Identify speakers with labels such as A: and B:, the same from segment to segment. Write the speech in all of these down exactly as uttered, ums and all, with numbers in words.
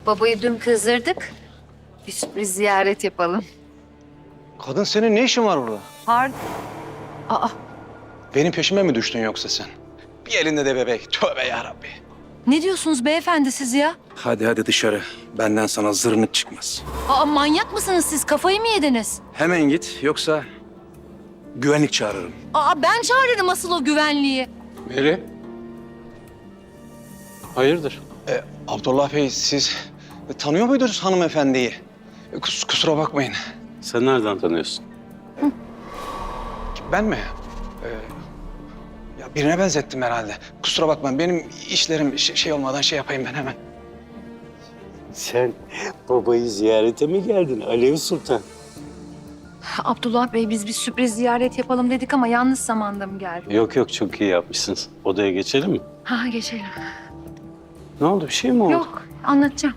A: Babayı dün kızdırdık. Bir sürpriz ziyaret yapalım.
B: Kadın senin ne işin var burada?
A: Pardon. Aa,
B: Benim peşime mi düştün yoksa sen? Bir elinde de bebek. Tövbe yarabbi.
A: ne diyorsunuz beyefendi siz ya?
B: Hadi hadi dışarı. Benden sana zırnık çıkmaz.
A: Aa, manyak mısınız siz? Kafayı mı yediniz?
B: Hemen git yoksa güvenlik çağırırım.
A: Aa, ben çağırırım asıl o güvenliği.
C: Meri. Hayırdır?
B: E, Abdullah Bey siz e, tanıyor muydunuz hanımefendiyi? E, kus- kusura bakmayın.
C: Sen nereden tanıyorsun?
B: Ben mi? E, ya birine benzettim herhalde. Kusura bakmayın benim işlerim şey, şey olmadan şey yapayım ben hemen.
C: Sen babayı ziyarete mi geldin Alev Sultan?
A: Abdullah Bey biz bir sürpriz ziyaret yapalım dedik ama yanlış zamanda mı geldi?
C: Yok yok çok iyi yapmışsınız. Odaya geçelim mi?
A: Ha geçelim.
C: Ne oldu bir şey mi oldu?
A: Yok anlatacağım.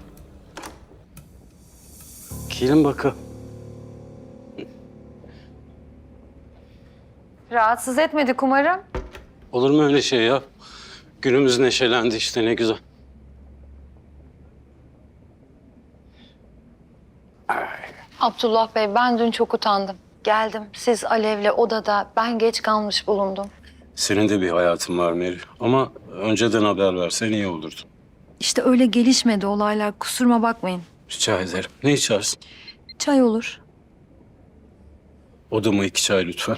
C: Gelin bakalım.
A: Rahatsız etmedik umarım.
C: Olur mu öyle şey ya? Günümüz neşelendi işte ne güzel.
A: Abdullah Bey ben dün çok utandım. Geldim siz Alev'le odada ben geç kalmış bulundum.
C: Senin de bir hayatın var Meri. Ama önceden haber versen iyi olurdu.
A: İşte öyle gelişmedi olaylar kusuruma bakmayın.
C: Rica ederim. Ne içersin?
A: Çay olur.
C: Odama iki çay lütfen.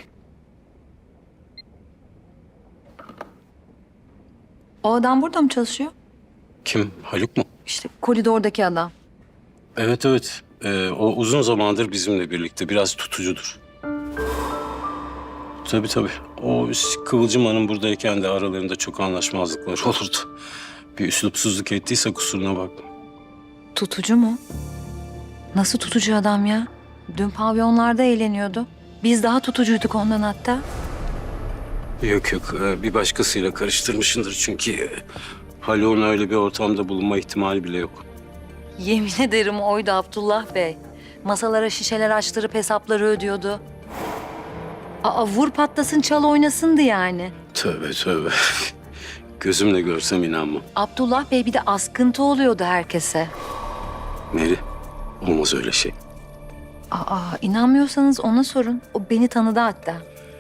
A: O adam burada mı çalışıyor?
C: Kim? Haluk mu?
A: İşte koridordaki adam.
C: Evet evet. Ee, o uzun zamandır bizimle birlikte. Biraz tutucudur. Tabii tabii. O Kıvılcım Hanım buradayken de aralarında çok anlaşmazlıklar olurdu. Bir üslupsuzluk ettiyse kusuruna bakma.
A: Tutucu mu? Nasıl tutucu adam ya? Dün pavyonlarda eğleniyordu. Biz daha tutucuyduk ondan hatta.
C: Yok yok. ee, Bir başkasıyla karıştırmışındır çünkü e, Haluk'un öyle bir ortamda bulunma ihtimali bile yok.
A: Yemin ederim oydu Abdullah Bey. Masalara şişeler açtırıp hesapları ödüyordu. Aa vur patlasın çal oynasındı yani.
C: Tövbe tövbe. Gözümle görsem inanmam.
A: Abdullah Bey bir de askıntı oluyordu herkese.
C: Meri, olmaz öyle şey.
A: Aa inanmıyorsanız ona sorun. O beni tanıdı hatta.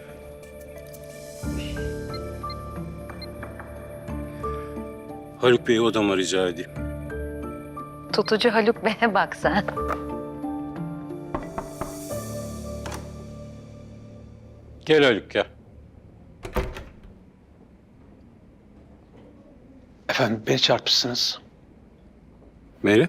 C: Haluk Bey'i odama rica edeyim.
A: Tutucu Haluk Bey'e bak sen.
C: Gel Haluk gel.
B: Efendim beni çarpmışsınız.
C: Meri?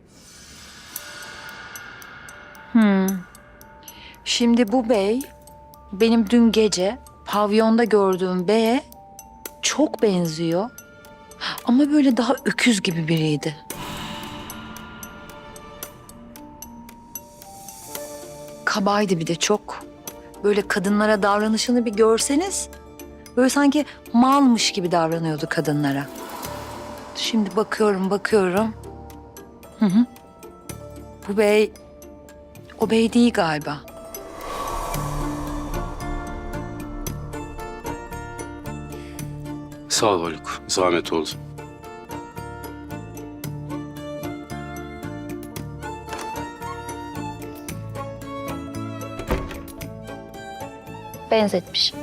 A: Şimdi bu bey benim dün gece pavyonda gördüğüm beye çok benziyor. Ama böyle daha öküz gibi biriydi. Kabaydı bir de çok. Böyle kadınlara davranışını bir görseniz böyle sanki malmış gibi davranıyordu kadınlara. Şimdi bakıyorum bakıyorum. Hı hı. Bu bey o bey değil galiba.
C: Sağ ol Haluk. Zahmet oldu.
A: Benzetmiş.